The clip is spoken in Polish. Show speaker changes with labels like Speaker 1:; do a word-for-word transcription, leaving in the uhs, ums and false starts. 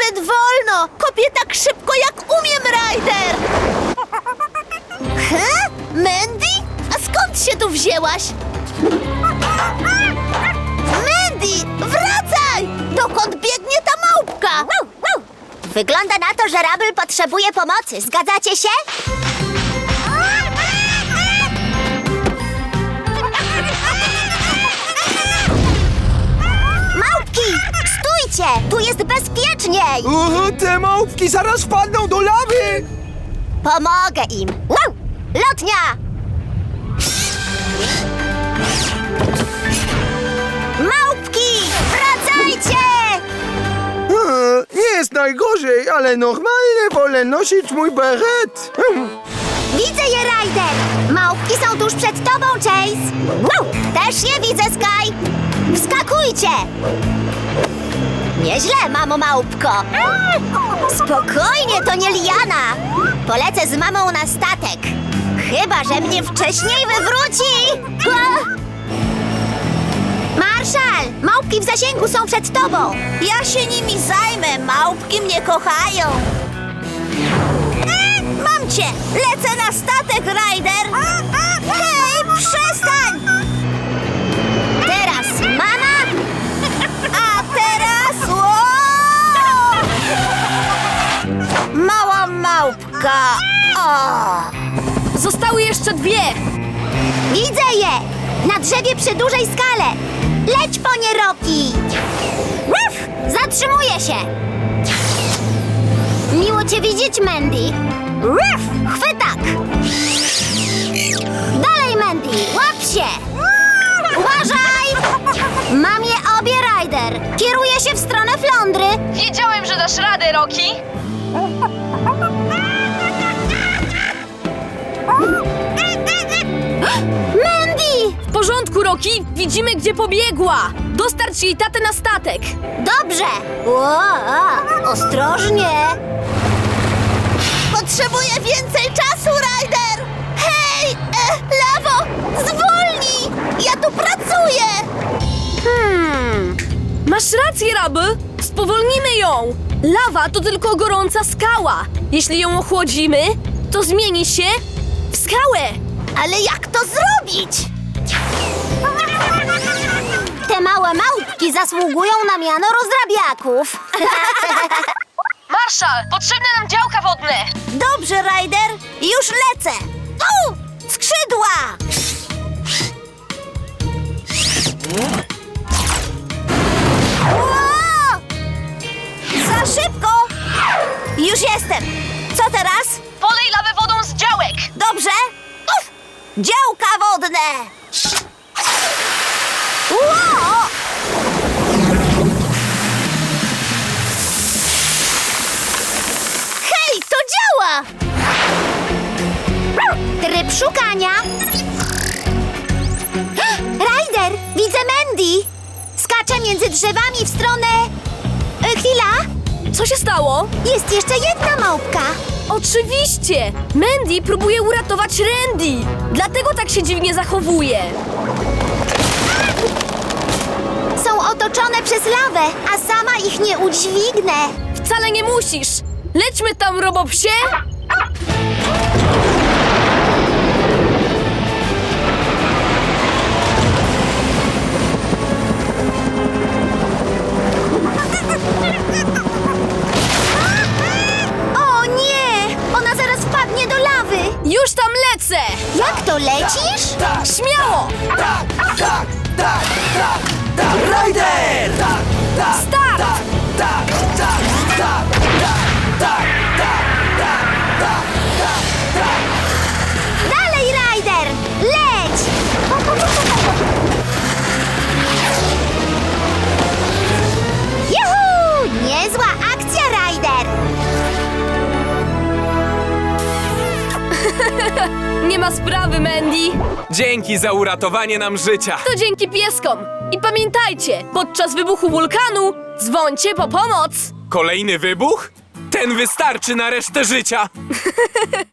Speaker 1: Zbyt wolno! Kopię tak szybko, jak umiem, Ryder! He? Mandy? A skąd się tu wzięłaś? Mandy, wracaj! Dokąd biegnie ta małpka?
Speaker 2: Wow, wow. Wygląda na to, że Rubble potrzebuje pomocy. Zgadzacie się? Małpki! Stójcie! Tu jest bezpieczniej!
Speaker 3: O, te małpki zaraz wpadną do lawy!
Speaker 2: Pomogę im! Wow! Lotnia! Małpki! Wracajcie!
Speaker 3: E, Nie jest najgorzej, ale normalnie wolę nosić mój beret. Hm.
Speaker 2: Widzę je, Ryder! Małpki są tuż przed tobą, Chase! Wow! Też je widzę, Sky! Wskakujcie! Nieźle, mamo małpko! Spokojnie, to nie liana! Polecę z mamą na statek. Chyba że mnie wcześniej wywróci! Marszal! Małpki w zasięgu są przed tobą!
Speaker 1: Ja się nimi zajmę, małpki mnie kochają. E, mam cię! Lecę na statek, Ryder! Hej, przestań!
Speaker 2: Teraz mama!
Speaker 1: A teraz... O! Mała małpka! O!
Speaker 4: Zostały jeszcze dwie!
Speaker 2: Widzę je! Na drzewie przy dużej skale! Leć po nie, Rocky! Ruff! Zatrzymuję się! Miło cię widzieć, Mandy! Ruff! Chwytak! Dalej, Mandy! Łap się! Uważaj! Mam je obie, Ryder! Kieruję się w stronę Flądry!
Speaker 4: Wiedziałem, że dasz radę, Rocky!
Speaker 2: Mandy!
Speaker 4: W porządku, Rocky! Widzimy, gdzie pobiegła! Dostarcz jej tatę na statek!
Speaker 2: Dobrze! O, ostrożnie!
Speaker 1: Potrzebuję więcej czasu, Ryder! Hej, e, Lawo, zwolnij! Ja tu pracuję!
Speaker 2: Hmm...
Speaker 4: Masz rację, Rubble! Spowolnimy ją! Lawa to tylko gorąca skała. Jeśli ją ochłodzimy, to zmieni się w skałę.
Speaker 1: Ale jak to zrobić?
Speaker 2: Te małe małpki zasługują na miano rozrabiaków.
Speaker 4: Marszal, potrzebne nam działka wodne!
Speaker 1: Dobrze, Ryder, już lecę! Tu! Skrzydła! Ło! Za szybko! Już jestem! Co teraz?
Speaker 4: Polej lawę wodą z działek!
Speaker 1: Dobrze? Uf! Działka wodne! Ło! Hej, to działa!
Speaker 2: Tryb szukania. Ryder, widzę Mandy. Skacze między drzewami w stronę... E, chwila,
Speaker 4: Co się stało?
Speaker 2: jest jeszcze jedna małpka.
Speaker 4: Oczywiście! Mandy próbuje uratować Randy! Dlatego tak się dziwnie zachowuje.
Speaker 2: Są otoczone przez lawę, a sama ich nie udźwignę.
Speaker 4: Wcale nie musisz! Lećmy tam, robopsie!
Speaker 2: O nie! Ona zaraz wpadnie do lawy.
Speaker 4: Już tam lecę!
Speaker 2: Jak to lecisz?
Speaker 4: Śmiało!
Speaker 3: Tak, tak, tak, tak, tak, Ryder! Tak, tak,
Speaker 4: Start!
Speaker 3: tak, tak, tak, tak, tak, tak, tak, tak, tak, tak.
Speaker 2: Dalej, Ryder! Leć! Juhu! Niezła akcja, Ryder!
Speaker 4: Nie ma sprawy, Mandy!
Speaker 5: Dzięki za uratowanie nam życia.
Speaker 4: To dzięki pieskom! I pamiętajcie, podczas wybuchu wulkanu dzwońcie po pomoc!
Speaker 5: Kolejny wybuch? Ten wystarczy na resztę życia.